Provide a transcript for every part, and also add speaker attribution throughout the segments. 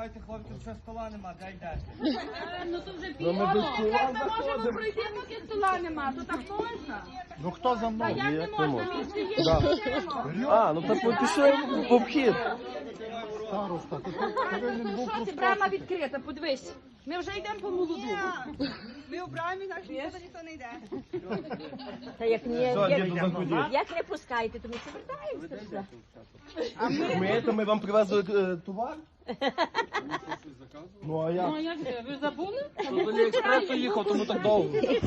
Speaker 1: Чекайте, хлопці, ще стола нема, де йдете?
Speaker 2: Ну то вже пізно. Як ми можемо пройти, поки стола нема? То так можна?
Speaker 3: Ну хто за
Speaker 2: Та
Speaker 3: мною?
Speaker 2: як не можна? Місце є, йдемо.
Speaker 4: А, ну так пішли в обхід.
Speaker 3: Староста, то ти повинен був
Speaker 2: Що ти, брама відкрита, подивись. Ми вже йдемо по молоду.
Speaker 5: Ми у брамі, так що ніхто не йде.
Speaker 6: Та як як не пускаєте, то ми повертаємося.
Speaker 4: Ми вам привезли товар? Ну а як?
Speaker 2: Ну як це, ви забули?
Speaker 4: З Аліекспресу їхав, тому так довго.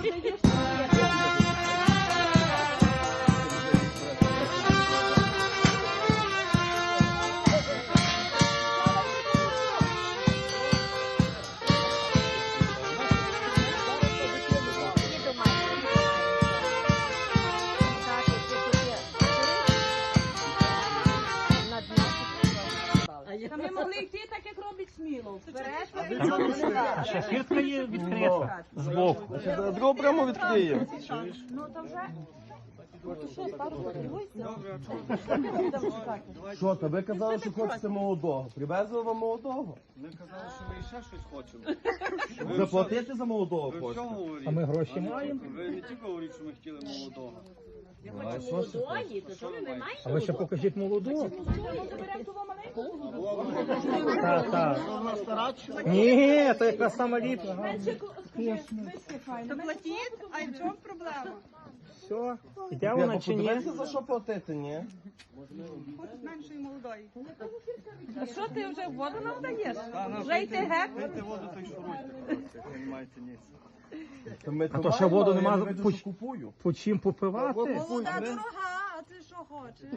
Speaker 2: Та ми могли йти так, як робить Смілов. Вперед,
Speaker 7: Ще фіртка є відкрита збоку.
Speaker 4: Другу прямо відкриємо.
Speaker 2: ну то вже.
Speaker 4: Що, та ви казали, що хочете молодого. Привезли вам молодого?
Speaker 1: Ми казали, що ми ще щось хочемо.
Speaker 4: Заплатити за молодого
Speaker 1: Ви
Speaker 4: хочете?
Speaker 1: всього говорите?
Speaker 7: А ми гроші маємо?
Speaker 1: Ви не тільки говорите, що ми хотіли молодого.
Speaker 4: А що ж?
Speaker 6: Молодої, то що ви не маєте?
Speaker 7: А ви ще покажіть молоду.
Speaker 2: Заберемо того маленького.
Speaker 7: Так. Ні, це якраз сама ліпна.
Speaker 5: То платіть, а й в чому проблема?
Speaker 7: Все, іде вона чи ні?
Speaker 4: Подивіться, за що платити, ні?
Speaker 5: Хочуть меншої молодої.
Speaker 2: А що ти вже воду нам даєш?
Speaker 1: Вже
Speaker 2: Вже йти геть?
Speaker 1: Пийте воду, то й шуруйте. Ви не маєте ніс.
Speaker 4: А
Speaker 7: то ще воду нема,
Speaker 4: що купую.
Speaker 7: По чим попивати?
Speaker 5: Молода дорога, а ти що хочеш?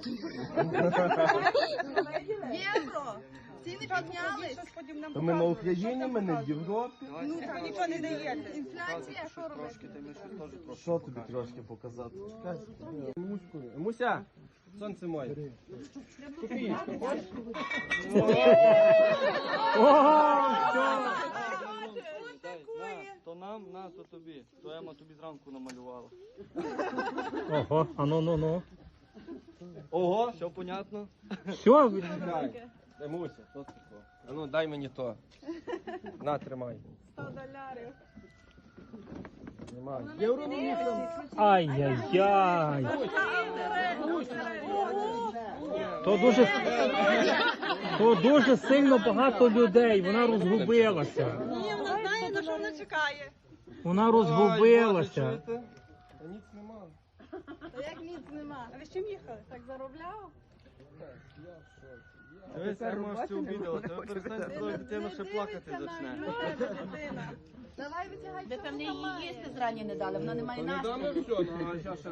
Speaker 5: Євро! Ціни піднялись.
Speaker 4: То ми на Україні, ми не в Європі.
Speaker 5: Ну так, нічого не даєте. Інфляція, що робити?
Speaker 1: Трошки, ти ми щось теж трошки.
Speaker 4: Що тобі трошки показати? Чекай. Муся, сонце моє.
Speaker 1: То нам, то тобі. То Ема тобі зранку намалювала.
Speaker 7: Ого, а ну.
Speaker 4: Ого,
Speaker 1: Все понятно?
Speaker 7: Все,
Speaker 4: Муся, що це таке? А ну дай мені то. На, тримай.
Speaker 5: 100 доларів.
Speaker 4: Тримай.
Speaker 7: ай-яй-яй. То дуже сильно багато людей, вона розгубилася.
Speaker 5: Ні, вона знає, на що вона чекає.
Speaker 7: Вона розгубилася.
Speaker 4: Та ніц нема.
Speaker 5: Та як ніц нема. А ви з чим їхали? Так заробляв?
Speaker 1: Дивись, Ема аж це обідала. Тебе перестань твою дитину ще плакати зачне.
Speaker 5: Дитина. Давай витягай.
Speaker 6: Ви певне її їсти зрані не дали, вона не має
Speaker 4: Не
Speaker 6: настрою.
Speaker 4: даме все, ну а ще.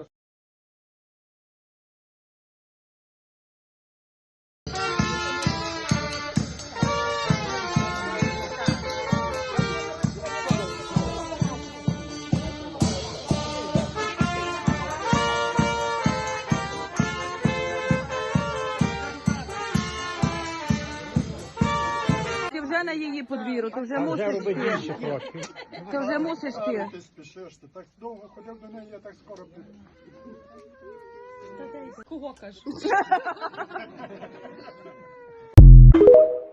Speaker 2: Ти вже на її подвір'ю, ти вже
Speaker 7: Вже
Speaker 2: мусиш
Speaker 7: робить
Speaker 2: йти.
Speaker 7: більше трошки.
Speaker 2: Ти вже мусиш йти.
Speaker 3: Ти спішиш, ти так довго ходив до неї, я так скоро буду.
Speaker 2: Кого кажеш?